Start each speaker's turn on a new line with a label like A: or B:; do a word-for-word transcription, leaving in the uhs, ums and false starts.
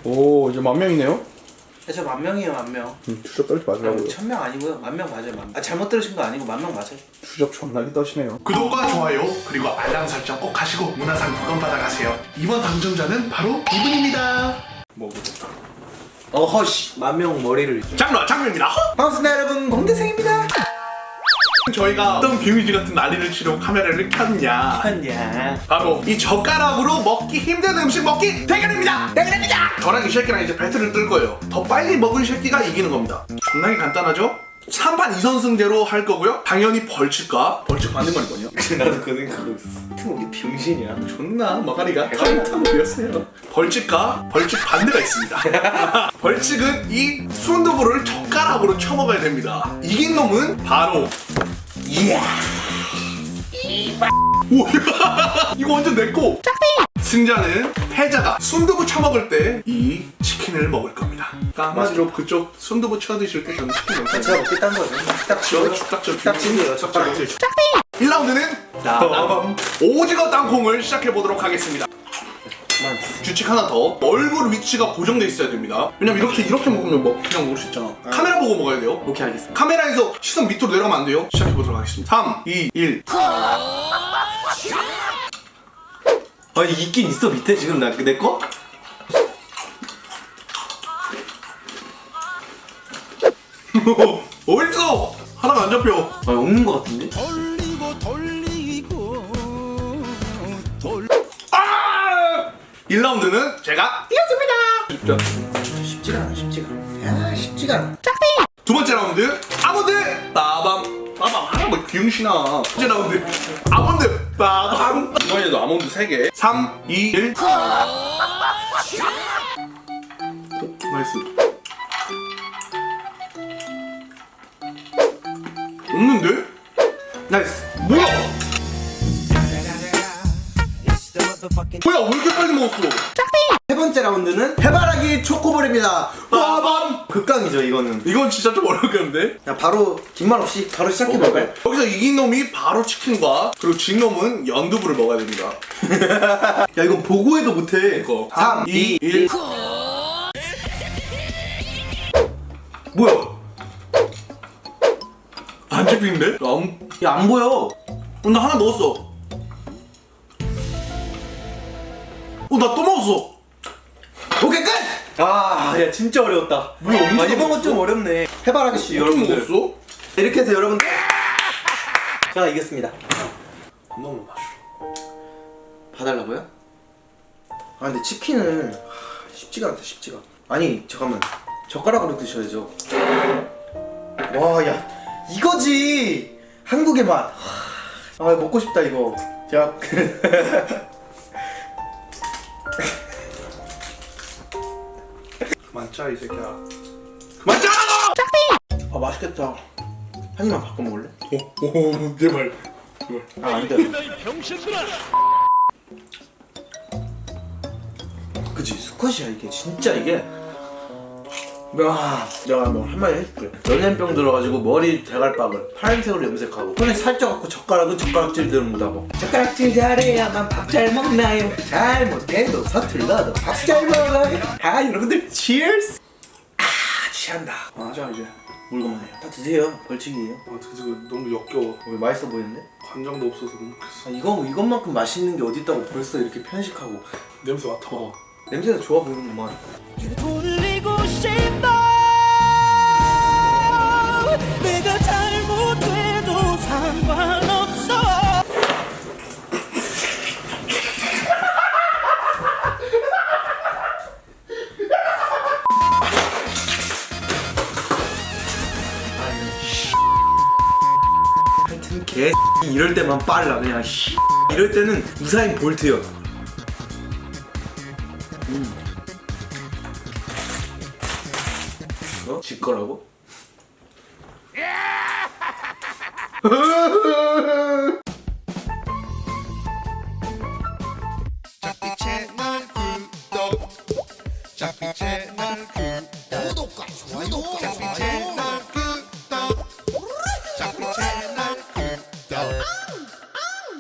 A: 오 이제 만 명이네요?
B: 네, 저 만 명이에요, 만 명.
A: 음, 추적 떨지 마시라고요.
B: 천 명 아니고요, 만 명 맞아요, 만 명. 아, 잘못 들으신 거 아니고 만 명 맞아요.
A: 추적 존나게 떠시네요.
C: 구독과 좋아요 그리고 알람 설정 꼭 하시고 문화상품권 받아가세요. 이번 당첨자는 바로 이분입니다.
A: 뭐부터?
B: 어허씨, 만 명 머리를.
C: 장로 장로입니다.
B: 반갑습니다, 여러분. 공대생입니다.
C: 저희가 어떤 비밀지 같은 난리를 치려고 카메라를 켰냐?
B: 아니야.
C: 바로 이 젓가락으로 먹기 힘든 음식 먹기 대결입니다. 대결입니다. 저랑 이 새끼랑 이제 배틀을 뜰 거예요. 더 빨리 먹은 새끼가 이기는 겁니다. 존나게 간단하죠? 삼 판 이 선승제로 할 거고요. 당연히 벌칙과 벌칙 받는 건 뭐냐?
B: 나도 그 생각하고 있었어. 하여튼 우리 병신이야.
C: 존나 머가리가 텅텅 비었어요. 벌칙과 벌칙 반대가 있습니다. 벌칙은 이 순두부를 젓가락으로 쳐먹어야 됩니다. 이긴 놈은 바로
B: 이야.
C: 오, 이거 완전 내꺼. 승자는 패자가 순두부 쳐먹을 때 이 치킨을 먹을 겁니다. 그러니까 한마디로 그쪽 순두부 쳐드실 때 저는 치킨 먹을
B: 제가 먹겠다는 거죠. 딱
C: 저 축딱전
B: 딱 찐이에요, 젓가락.
C: 일 라운드는
B: 나밤.
C: 오징어 땅콩을 시작해보도록 하겠습니다.
B: 그만.
C: 규칙 하나 더. 얼굴 위치가 고정돼 있어야 됩니다. 왜냐면 이렇게 이렇게 먹으면 뭐 그냥 먹을 수 있잖아. 카메라 보고 먹어야 돼요.
B: 오케이, 알겠습니다.
C: 카메라에서 시선 밑으로 내려가면 안 돼요. 시작해보도록 하겠습니다. 삼, 이, 일.
B: 아니, 있긴 있어, 밑에 지금 나, 내 거?
C: 어딨어? 하나가 안 잡혀.
B: 아, 없는 거 같은데?
D: 돌리고 돌리고 돌
C: 아! 일 라운드는 제가 이겼습니다.
B: 쉽지가 않아, 쉽지가 않아. 야, 쉽지가 않아.
C: 두 번째 라운드 아몬드 빠밤 빠밤 하나 뭐 귀용신아. 세 번째 라운드 아몬드 빠밤.
A: 이번에도 아몬드 세 개.
C: 삼, 이, 일. 나이스. 없는데?
B: 나이스.
C: 뭐야? 뭐야 왜 이렇게 빨리 먹었어?
B: 세 번째 라운드는 해바라기 초코볼입니다.
C: 빠밤.
B: 극강이죠, 이거는.
C: 이건 진짜 좀 어렵겠는데?
B: 야, 바로 긴 말 없이 바로 시작해볼까요?
C: 여기서 이긴 놈이 바로 치킨과 그리고 진 놈은 연두부를 먹어야 됩니다.
B: 야, 이건 보고 해도 못해.
C: 이거
B: 삼, 이, 일. 뭐야?
C: 안 잡히는데? 아무...
B: 야, 안 보여.
C: 어, 나 하나 먹었어. 어, 나 또 먹었어.
B: 오케이, 끝! 아, 야, 진짜 어려웠다.
C: 뭐야, 언제
B: 아, 이번 건
C: 먹었어?
B: 좀 어렵네. 해바라기 씨,
C: 어떻게
B: 여러분들.
C: 먹었어?
B: 이렇게 해서 여러분들. 제가 이겼습니다.
C: 한 번만 봐줘.
B: 봐달라고요? 아, 근데 치킨은 하, 쉽지가 않다, 쉽지가. 아니, 잠깐만. 젓가락으로 드셔야죠. 와, 야, 이거지. 한국의 맛. 하, 아, 먹고 싶다 이거. 제가
C: 그만 짜, 이 새끼야. 그만 짜!
B: 아, 맛있겠다. 한 입만 바꿔 먹을래?
C: 오, 오, 제발. 제발.
B: 아, 안 돼. 그치, 수컷이야 이게. 진짜 이게. 야, 내가 뭐 한마디 해줄게. 연예병 들어가지고 머리 대갈박을 파란색으로 염색하고 손에 살쪄갖고 젓가락은 젓가락질 묻하고 젓가락질 잘해야만 밥 잘 먹나요? 잘 못해도 서툴러도 밥 잘 먹어요. 아, 여러분들 치얼스. 아, 취한다.
C: 아, 자, 이제.
B: 물건만 해요. 다 드세요. 벌칙이에요.
C: 아, 그거 너무 역겨워.
B: 왜 맛있어 보이는데?
C: 간장도 없어서 못 먹겠어.
B: 아, 이거 이것만큼 맛있는 게 어디 있다고 벌써 이렇게 편식하고.
C: 냄새 맡아봐.
B: 냄새가 좋아 보이는구만.
D: 돌리고 싶어 내가 잘못돼도 상관없어
B: 하여튼 개 이럴 때만 빨라 그냥. 씨. 이럴 때는 우사인 볼트요. 음. 어? 지 거라고?
D: 잡비 채널 구독 잡비 채널 구독